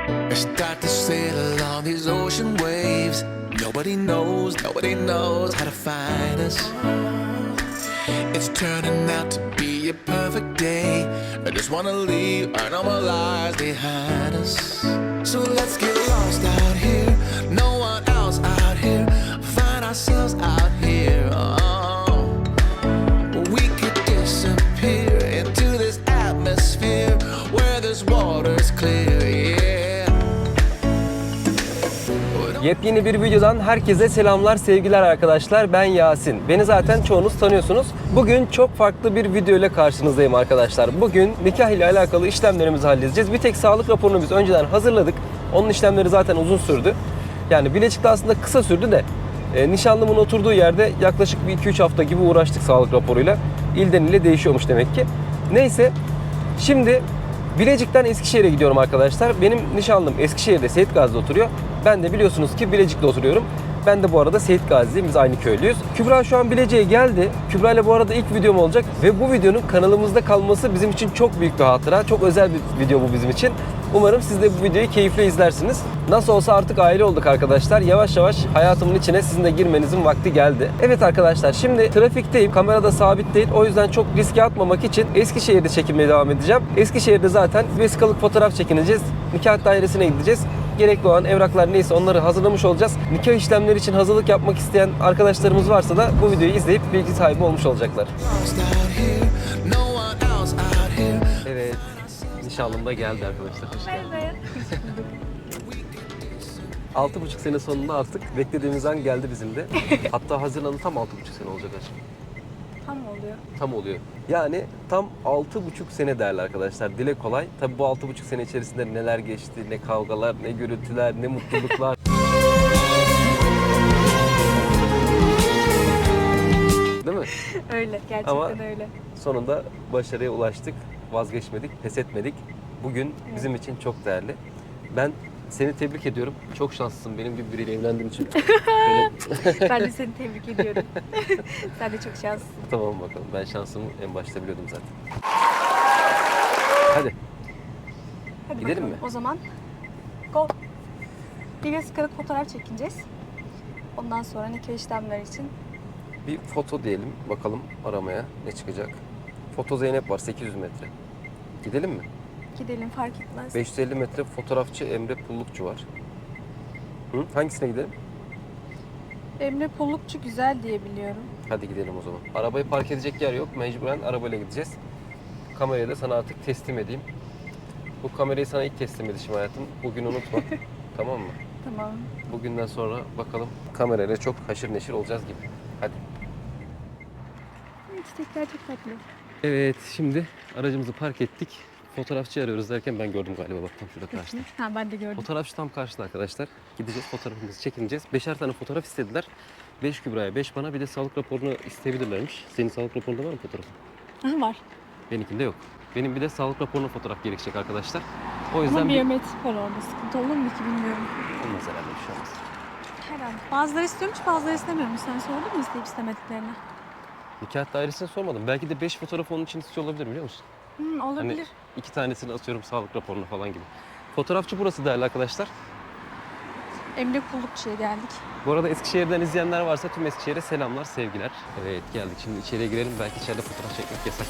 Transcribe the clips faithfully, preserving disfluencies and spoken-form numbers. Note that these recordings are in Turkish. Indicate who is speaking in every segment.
Speaker 1: I start to sail along these ocean waves. Nobody knows, nobody knows how to find us. It's turning out to be a perfect day. I just wanna leave our normal lives behind us. So let's get lost out here. No one else out here. Find ourselves out here. Oh, we could disappear into this atmosphere where this water's clear. Yeah.
Speaker 2: Yepyeni bir videodan herkese selamlar, sevgiler arkadaşlar. Ben Yasin. Beni zaten çoğunuz tanıyorsunuz. Bugün çok farklı bir video ile karşınızdayım arkadaşlar. Bugün nikah ile alakalı işlemlerimizi halledeceğiz. Bir tek sağlık raporunu biz önceden hazırladık. Onun işlemleri zaten uzun sürdü. Yani Bilecik'te aslında kısa sürdü de e, nişanlımın oturduğu yerde yaklaşık bir iki üç hafta gibi uğraştık sağlık raporuyla. İlden ile değişiyormuş demek ki. Neyse, şimdi Bilecik'ten Eskişehir'e gidiyorum arkadaşlar. Benim nişanlım Eskişehir'de, Seyit Gazi'de oturuyor. Ben de biliyorsunuz ki Bilecik'te oturuyorum. Ben de bu arada Seyit Gazi'yim. Biz aynı köylüyüz. Kübra şu an Bilecik'e geldi. Kübra ile bu arada ilk videom olacak. Ve bu videonun kanalımızda kalması bizim için çok büyük bir hatıra. Çok özel bir video bu bizim için. Umarım siz de bu videoyu keyifle izlersiniz. Nasıl olsa artık aile olduk arkadaşlar. Yavaş yavaş hayatımın içine sizin de girmenizin vakti geldi. Evet arkadaşlar, şimdi trafikteyim. Kamerada sabit değil. O yüzden çok riske atmamak için Eskişehir'de çekilmeye devam edeceğim. Eskişehir'de zaten vesikalık fotoğraf çekineceğiz. Nikah dairesine gideceğiz. Gerekli olan evraklar neyse onları hazırlamış olacağız. Nikah işlemleri için hazırlık yapmak isteyen arkadaşlarımız varsa da bu videoyu izleyip bilgi sahibi olmuş olacaklar. Evet, nişanlım da geldi arkadaşlar. Hoş geldin. Altı buçuk sene sonunda artık beklediğimiz an geldi bizim de. Hatta Haziran'ın tam altı buçuk sene olacak aşkım.
Speaker 3: Tam oluyor.
Speaker 2: Tam oluyor. Yani tam altı buçuk sene değerli arkadaşlar. Dile kolay. Tabii bu altı buçuk sene içerisinde neler geçti, ne kavgalar, ne gürültüler, ne mutluluklar. Değil mi?
Speaker 3: Öyle, gerçekten
Speaker 2: Ama
Speaker 3: öyle.
Speaker 2: sonunda başarıya ulaştık. Vazgeçmedik, pes etmedik. Bugün
Speaker 3: Evet.
Speaker 2: bizim için çok değerli. Ben seni tebrik ediyorum. Çok şanslısın benim gibi biriyle evlendiğin için. Böyle...
Speaker 3: Ben de seni tebrik ediyorum. Sen de çok şanslısın.
Speaker 2: Tamam bakalım. Ben şansımı en başta biliyordum zaten. Hadi.
Speaker 3: Hadi
Speaker 2: Gidelim
Speaker 3: bakalım.
Speaker 2: mi?
Speaker 3: O zaman go. Bir vesikalık fotoğraf çekineceğiz. Ondan sonra nikah işlemleri için.
Speaker 2: Bir foto diyelim. Bakalım aramaya ne çıkacak. Foto Zeynep var sekiz yüz metre. Gidelim mi?
Speaker 3: Gidelim, fark etmez.
Speaker 2: beş yüz elli metre fotoğrafçı Emre Pullukçu var. Hı? Hangisine gidelim?
Speaker 3: Emre Pullukçu güzel diye biliyorum.
Speaker 2: Hadi gidelim o zaman. Arabayı park edecek yer yok. Mecburen arabayla gideceğiz. Kamerayı da sana artık teslim edeyim. Bu kamerayı sana ilk teslim edişim hayatım. Bugün unutma. Tamam mı?
Speaker 3: Tamam.
Speaker 2: Bugünden sonra bakalım kamerayla çok haşır neşir olacağız gibi. Hadi.
Speaker 3: Çiçekler çok tatlı.
Speaker 2: Evet, şimdi aracımızı park ettik. Fotoğrafçı arıyoruz derken ben gördüm galiba, bak tam şurada karşıda.
Speaker 3: Ha, ben de gördüm.
Speaker 2: Fotoğrafçı tam karşıda arkadaşlar. Gideceğiz, fotoğrafımızı çekineceğiz. Beşer tane fotoğraf istediler. Beş Kübra'ya, beş bana, bir de sağlık raporunu isteyebilirlermiş. Senin sağlık raporunda var mı fotoğrafın?
Speaker 3: Ha, var.
Speaker 2: Benimkinde yok. Benim bir de sağlık raporuna fotoğraf gerekecek arkadaşlar. O yüzden
Speaker 3: Ama
Speaker 2: bir...
Speaker 3: biyometrik var orada. Sıkıntı olur mu ki bilmiyorum.
Speaker 2: Olmaz herhalde, bir şey olmaz.
Speaker 3: Herhalde. Bazıları istiyormuş, bazıları istemiyormuş. Sen sordun mu isteyip istemediklerini?
Speaker 2: Nikah dairesine sormadım. Belki de beş fotoğraf onun için istiyor olabilir, biliyor musun?
Speaker 3: Hmm, olabilir.
Speaker 2: Hani iki tanesini atıyorum sağlık raporuna falan gibi. Fotoğrafçı burası değerli arkadaşlar.
Speaker 3: Emre Pullukçu'ya geldik.
Speaker 2: Bu arada Eskişehir'den izleyenler varsa tüm Eskişehir'e selamlar, sevgiler. Evet, geldik. Şimdi içeriye girelim. Belki içeride fotoğraf çekmek yasak.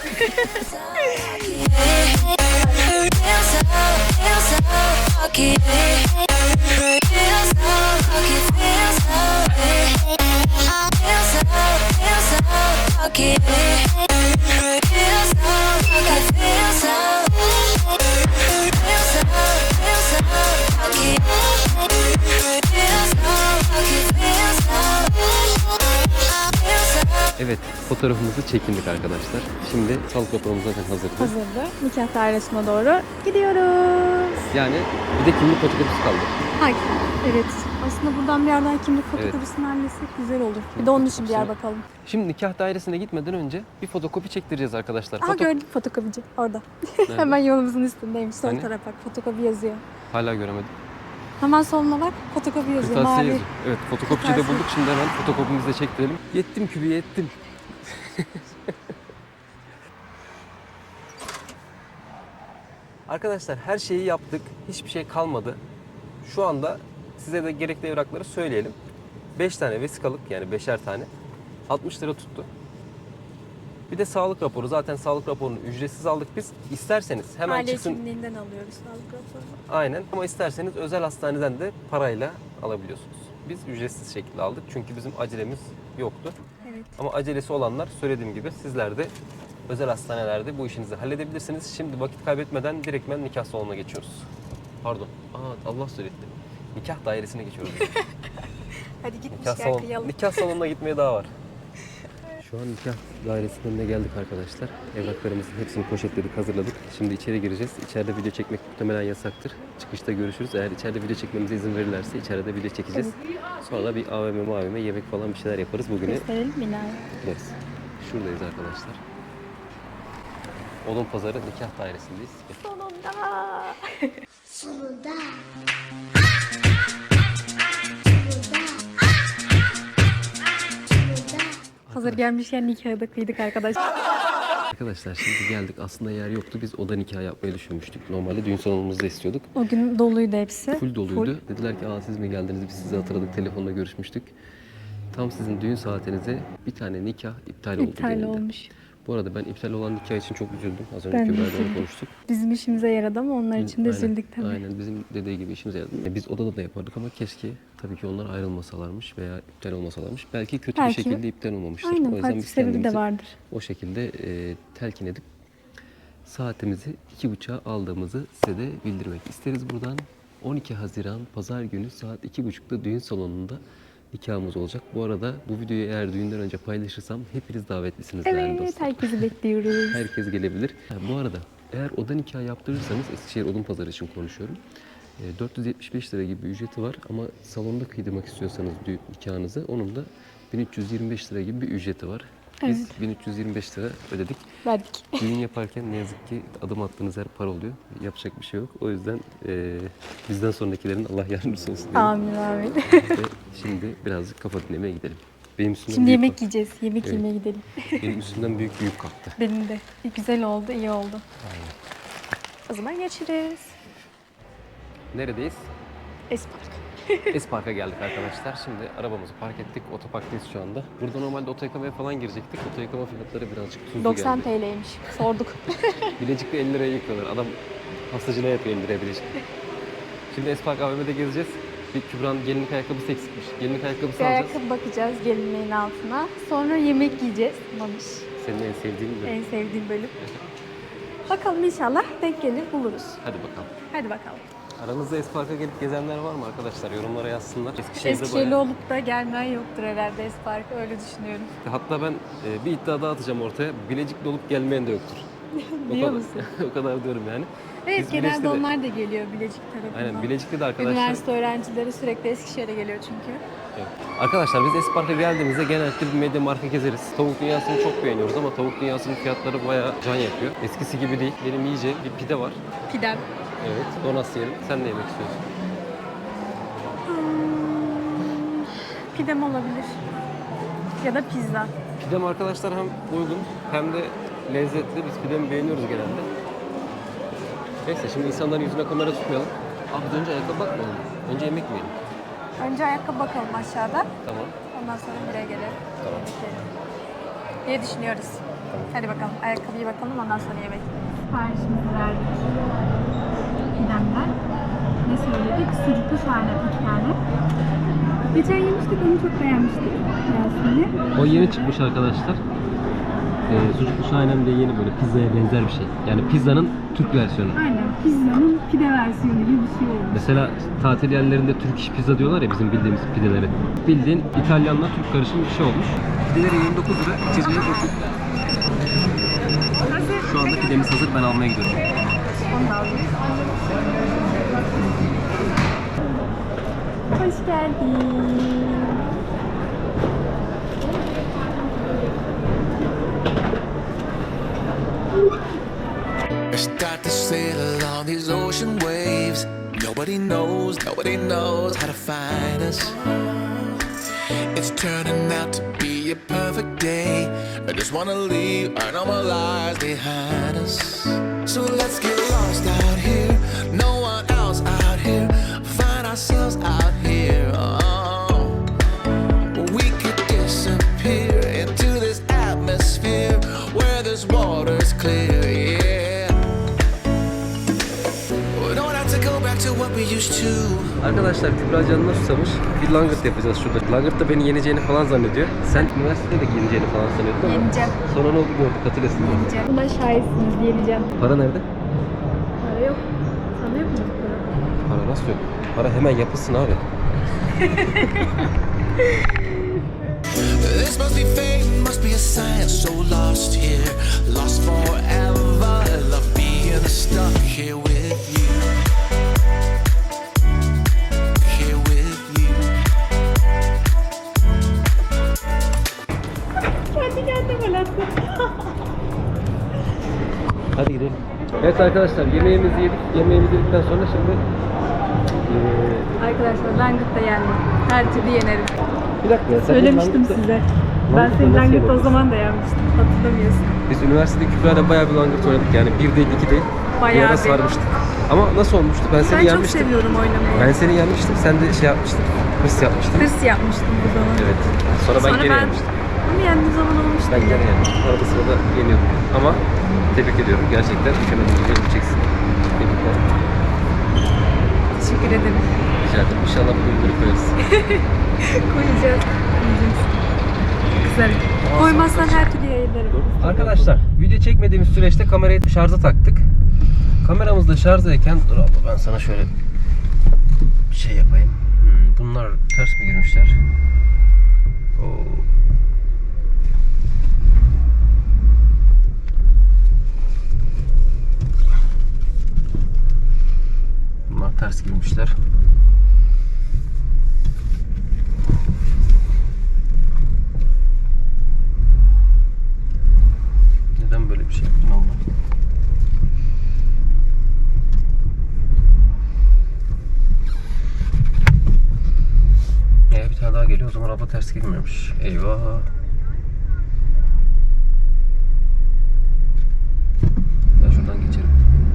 Speaker 2: Evet, fotoğrafımızı çekindik arkadaşlar. Şimdi sağlık raporumuz zaten hazırdı.
Speaker 3: Hazırdı. Nikah dairesine doğru gidiyoruz.
Speaker 2: Yani bir de kimlik fotokopisi kaldı.
Speaker 3: Hayır. Evet. Aslında buradan bir yerden kimlik fotokopisini halletsek güzel olur. Bir de onun için bir yer bakalım.
Speaker 2: Şimdi nikah dairesine gitmeden önce bir fotokopi çektireceğiz arkadaşlar.
Speaker 3: Aha,
Speaker 2: Foto...
Speaker 3: gördüm fotokopici orada.
Speaker 2: Nerede?
Speaker 3: Hemen yolumuzun üstündeymiş. Sol
Speaker 2: Hani?
Speaker 3: tarafa bak, fotokopi yazıyor.
Speaker 2: Hala göremedim.
Speaker 3: Hemen soluna bak, fotokopi yazıyor.
Speaker 2: Kırtasiye
Speaker 3: Mavi.
Speaker 2: yazıyor. Evet, fotokopçiyi de
Speaker 3: Kırtasiye.
Speaker 2: bulduk. Şimdi hemen fotokopimizi de çektirelim. Yettim kübüye, yettim. Arkadaşlar her şeyi yaptık. Hiçbir şey kalmadı. Şu anda size de gerekli evrakları söyleyelim. beş tane vesikalık, yani beşer tane. altmış lira tuttu. Bir de sağlık raporu. Zaten sağlık raporunu ücretsiz aldık biz. İsterseniz hemen
Speaker 3: Aile
Speaker 2: çıksın.
Speaker 3: hekimliğinden alıyoruz sağlık raporunu.
Speaker 2: Aynen, ama isterseniz özel hastaneden de parayla alabiliyorsunuz. Biz ücretsiz şekilde aldık çünkü bizim acelemiz yoktu.
Speaker 3: Evet.
Speaker 2: Ama acelesi olanlar, söylediğim gibi, sizler de özel hastanelerde bu işinizi halledebilirsiniz. Şimdi vakit kaybetmeden direktmen nikah salonuna geçiyoruz. Pardon. Aa, Allah söyletti. Nikah dairesine geçiyoruz.
Speaker 3: Hadi
Speaker 2: nikah,
Speaker 3: gitmişken
Speaker 2: salon,
Speaker 3: kıyalım.
Speaker 2: nikah salonuna gitmeye daha var. Şu an nikah dairesinin önüne geldik arkadaşlar. Evraklarımızın hepsini poşetledik, hazırladık. Şimdi içeri gireceğiz. İçeride video çekmek muhtemelen yasaktır. Çıkışta görüşürüz. Eğer içeride video çekmemize izin verirlerse içeride video çekeceğiz. Sonra bir A V M, A V M, yemek falan bir şeyler yaparız. Bugünü
Speaker 3: Gösterelim binayı.
Speaker 2: gideriz. Şuradayız arkadaşlar. Odun Pazarı nikah dairesindeyiz.
Speaker 3: Sonunda.
Speaker 4: Sonunda.
Speaker 3: Hazır gelmişken nikahı da kıydık arkadaşlar.
Speaker 2: Arkadaşlar şimdi geldik. Aslında yer yoktu. Biz oda nikahı yapmayı düşünmüştük. Normalde düğün salonumuzda istiyorduk.
Speaker 3: O gün doluydu hepsi.
Speaker 2: Full doluydu. Dediler ki, aa siz mi geldiniz? Biz sizi hatırladık. Telefonla görüşmüştük. Tam sizin düğün saatinize bir tane nikah iptal oldu.
Speaker 3: İptal
Speaker 2: denildi.
Speaker 3: olmuş.
Speaker 2: Bu arada ben iptal olan nikah için çok üzüldüm. Az önce
Speaker 3: Ben de
Speaker 2: Kübra'yla
Speaker 3: üzüldüm.
Speaker 2: onu konuştuk.
Speaker 3: Bizim işimize yaradı ama onlar için de
Speaker 2: Aynen,
Speaker 3: üzüldük tabii.
Speaker 2: Aynen bizim dediği gibi işimize yaradı. E, Biz odada da yapardık ama keşke tabii ki onlar ayrılmasalarmış veya iptal olmasalarmış. Belki kötü
Speaker 3: Belki.
Speaker 2: bir şekilde iptal olmamıştır. o
Speaker 3: Aynen,
Speaker 2: yüzden
Speaker 3: farklı
Speaker 2: biz
Speaker 3: sebebi de
Speaker 2: kendimizi
Speaker 3: vardır.
Speaker 2: o şekilde e, telkin edip saatimizi iki buçuğa aldığımızı size de bildirmek isteriz buradan. on iki Haziran Pazar günü saat iki buçukta düğün salonunda nikahımız olacak. Bu arada bu videoyu eğer düğünden önce paylaşırsam hepiniz davetlisiniz değerli
Speaker 3: Evet,
Speaker 2: dostlar.
Speaker 3: herkesi bekliyoruz.
Speaker 2: Herkes gelebilir. Ha, bu arada eğer oda nikahı yaptırırsanız, Eskişehir Odun Pazarı için konuşuyorum. E, dört yüz yetmiş beş lira gibi bir ücreti var ama salonda kıydırmak istiyorsanız düğün nikahınızı, onun da bin üç yüz yirmi beş lira gibi bir ücreti var. Biz
Speaker 3: Evet.
Speaker 2: bin üç yüz yirmi beş lira ödedik.
Speaker 3: Verdik.
Speaker 2: Düğün yaparken ne yazık ki adım attığınız her para oluyor. Yapacak bir şey yok. O yüzden e, bizden sonrakilerin Allah yardımcısı olsun diyelim.
Speaker 3: Amin amin.
Speaker 2: Ve şimdi birazcık kafa dinlemeye gidelim. Benim üstümden
Speaker 3: Şimdi
Speaker 2: büyük
Speaker 3: yemek
Speaker 2: kalktı.
Speaker 3: yiyeceğiz. Yemek
Speaker 2: Evet.
Speaker 3: yemeye gidelim.
Speaker 2: Benim üstümden büyük büyük kalktı.
Speaker 3: Benim de. Güzel oldu, iyi oldu. O zaman geçiriz.
Speaker 2: Neredeyiz?
Speaker 3: Espark.
Speaker 2: Espark'a geldik arkadaşlar. Şimdi arabamızı park ettik. Otoparktayız şu anda. Burada normalde oto yıkamaya falan girecektik. Oto yıkama fiyatları birazcık tuzlu
Speaker 3: doksan
Speaker 2: geldi.
Speaker 3: T L'ymiş. Sorduk.
Speaker 2: Bilecik'te elli liraya yıkıyorlar. Adam pastacılığa yapıyor elli liraya Bilecik. Şimdi Espark A V M'de gezeceğiz. Bir Kübra'nın gelinlik ayakkabısı eksikmiş. Gelinlik ayakkabısı
Speaker 3: Bir
Speaker 2: alacağız.
Speaker 3: ayakkabı bakacağız gelinliğin altına. Sonra yemek yiyeceğiz. Mamış.
Speaker 2: Senin en sevdiğin mi?
Speaker 3: En sevdiğim bölüm. Bakalım inşallah denk gelir buluruz.
Speaker 2: Hadi bakalım.
Speaker 3: Hadi bakalım.
Speaker 2: Aranızda Espark'a gelip gezenler var mı arkadaşlar? Yorumlara yazsınlar. Eskişehir'de
Speaker 3: Eskişehirli
Speaker 2: bayağı-
Speaker 3: olup da gelmeyen yoktur herhalde Espark'a, öyle düşünüyorum.
Speaker 2: Hatta ben e, bir iddia daha atacağım ortaya. Bilecik'te olup gelmeyen de yoktur. O
Speaker 3: Biliyor
Speaker 2: kadar-
Speaker 3: musun?
Speaker 2: o kadar diyorum yani.
Speaker 3: Evet,
Speaker 2: Biz
Speaker 3: genelde
Speaker 2: Bilecik'te de-
Speaker 3: onlar da geliyor Bilecik tarafından.
Speaker 2: Aynen, Bilecik'te de arkadaşlar.
Speaker 3: Üniversite öğrencileri sürekli Eskişehir'e geliyor çünkü.
Speaker 2: Evet. Arkadaşlar biz Espark'a geldiğimizde genellikle bir medya marka gezeriz. Tavuk dünyasını çok beğeniyoruz ama tavuk dünyasının fiyatları bayağı can yakıyor. Eskisi gibi değil. Benim yiyeceğim bir pide var.
Speaker 3: Pidem.
Speaker 2: Evet. Donas yiyelim. Sen ne yemek istiyorsun?
Speaker 3: Hmm, pidem olabilir. Ya da pizza.
Speaker 2: Pidem arkadaşlar hem uygun hem de lezzetli. Biz pidemi beğeniyoruz genelde. Neyse şimdi insanların yüzüne kamera tutmayalım. Abi önce ayakkabı bakmayalım. Önce yemek mi yiyelim?
Speaker 3: Önce ayakkabı bakalım aşağıda.
Speaker 2: Tamam.
Speaker 3: Ondan sonra buraya gelelim.
Speaker 2: Tamam.
Speaker 3: Yemek yiyelim diye düşünüyoruz. Hadi bakalım. Ayakkabıyı bakalım, ondan sonra yemek. Siparişimizi verdik. Pidemden. Ne söyledik? Sucuklu şahane bir tane. Geçen yemiştik, onu çok beğenmiştik. Yasin'le.
Speaker 2: O yeni çıkmış arkadaşlar. Ee, sucuklu şahenem diye yeni böyle pizzaya benzer bir şey. Yani pizzanın Türk versiyonu.
Speaker 3: Aynen. Pizzanın pide versiyonu gibi bir şey olmuş.
Speaker 2: Mesela tatil yerlerinde Türk iş pizza diyorlar ya bizim bildiğimiz pideleri. Bildiğin İtalyanla Türk karışımı bir şey olmuş. Pideleri yirmi dokuz lira, içeceği buçuk. Şu anda pidemiz hazır, ben almaya gidiyorum.
Speaker 3: Onu da alayım. Hoş geldin.
Speaker 1: I start to sail on these ocean waves. Nobody knows, nobody knows how to find us. It's turning out to be a perfect day. I just wanna leave our normal lives behind us. So let's get lost out here. No one else out here. Find ourselves out here. Oh, we could disappear into this atmosphere where this water's clear. Yeah. We don't have to go back to what we used to.
Speaker 2: Arkadaşlar Kübra canına susamış. Bir langırt yapacağız şurada. Langırt da beni yeneceğini falan zannediyor. Sen üniversitede de yeneceğini falan sanıyordun ama
Speaker 3: Yeneceğim.
Speaker 2: sonra ne oldu gördük, hatırlasın.
Speaker 3: Yeneceğim. Buna şahitsiniz, yeneceğim.
Speaker 2: Para nerede?
Speaker 3: Para yok. Sana yok mu para?
Speaker 2: Para nasıl yok? Para hemen yapılsın abi.
Speaker 1: This must be fate, must be a sign. So lost here, lost forever. Love being stuck here with you. Here with you.
Speaker 3: Kendi kendime gol attım.
Speaker 2: Hadi gidelim. Evet arkadaşlar, yemeğimizi yedik. Yemeğimizi yedikten sonra şimdi ee,
Speaker 3: Arkadaşlar langırt da yendim. Her türlü yenerim.
Speaker 2: bir dakika ya, sen
Speaker 3: Söylemiştim
Speaker 2: langırt da-
Speaker 3: size. Ben
Speaker 2: Langırt da
Speaker 3: senin
Speaker 2: nasıl
Speaker 3: langırt o
Speaker 2: yeneriz?
Speaker 3: zaman da yenmiştim. Hatırlamıyorsun.
Speaker 2: Biz üniversitede Kübra'yla bayağı bir langırt oynadık yani bir değil iki değil.
Speaker 3: Bayağı
Speaker 2: bir ara
Speaker 3: bir.
Speaker 2: sarmıştık. Ama nasıl olmuştu? Ben seni
Speaker 3: Ben çok
Speaker 2: yenmiştim.
Speaker 3: seviyorum oynamayı.
Speaker 2: Ben seni yenmiştim. Sen de şey yapmıştın. Hırs yapmıştın.
Speaker 3: Hırs yapmıştım bu zaman.
Speaker 2: Evet. Sonra ben
Speaker 3: Sonra
Speaker 2: geri
Speaker 3: ben
Speaker 2: yenmiştim.
Speaker 3: ama yendiği zaman olmuştu.
Speaker 2: Ben geri yenmiştim. Arada sırada yeniyordum. Ama tebrik ediyorum. Gerçekten mükemmel bir yapacaksın. Tebrikler.
Speaker 3: Teşekkür ederim.
Speaker 2: Rica ederim. İnşallah bugün bunu koyarız.
Speaker 3: Koyacağız. Yiyeceğiz. Güzel. Koymazsan her türlü yayınlarım.
Speaker 2: Arkadaşlar video çekmediğimiz süreçte kamerayı şarja taktık. Kameramız da şarjdayken dur abla ben sana şöyle bir şey yapayım. Hmm, bunlar ters mi girmişler? Oo. Bunlar ters girmişler. Neden böyle bir şey yaptın abla? Ee, bir tane daha geliyor, o zaman abla ters girmiyormuş. Eyvah. Ben şuradan geçerim.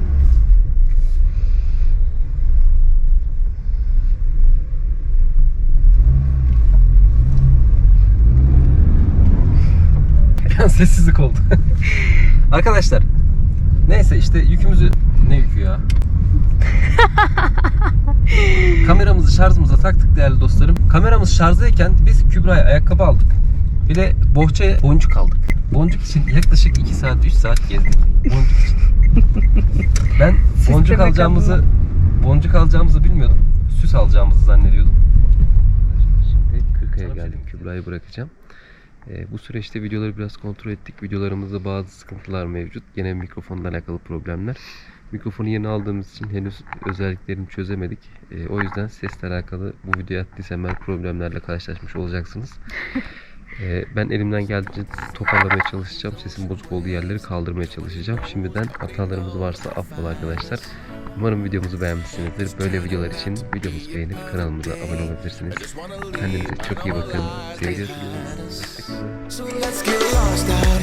Speaker 2: Sessizlik oldu. Arkadaşlar, neyse işte yükümüzü, ne yükü ya? Kameramızı şarjımıza taktık değerli dostlarım. Kameramız şarjdayken biz Kübra'ya ayakkabı aldık. Bir de bohçaya boncuk aldık. Boncuk için yaklaşık iki saat üç saat gezdik. Boncuk için. Ben boncuk
Speaker 3: Sisteme
Speaker 2: alacağımızı boncuk alacağımızı bilmiyordum. Süs alacağımızı zannediyordum. Şimdi Kırkaya geldim. Kübra'yı bırakacağım. E, bu süreçte videoları biraz kontrol ettik. Videolarımızda bazı sıkıntılar mevcut. Gene mikrofonla alakalı problemler. Mikrofonu yeni aldığımız için henüz özelliklerini çözemedik. E, o yüzden sesle alakalı bu videoya attıysam ben problemlerle karşılaşmış olacaksınız. E, ben elimden geldiğince toparlamaya çalışacağım. Sesin bozuk olduğu yerleri kaldırmaya çalışacağım. Şimdiden hatalarımız varsa affola arkadaşlar. Umarım videomuzu beğenmişsinizdir. Böyle videolar için videomuzu beğenip kanalımıza abone olabilirsiniz. Kendinize çok iyi bakın. Seviyorsunuz.
Speaker 1: So let's get lost out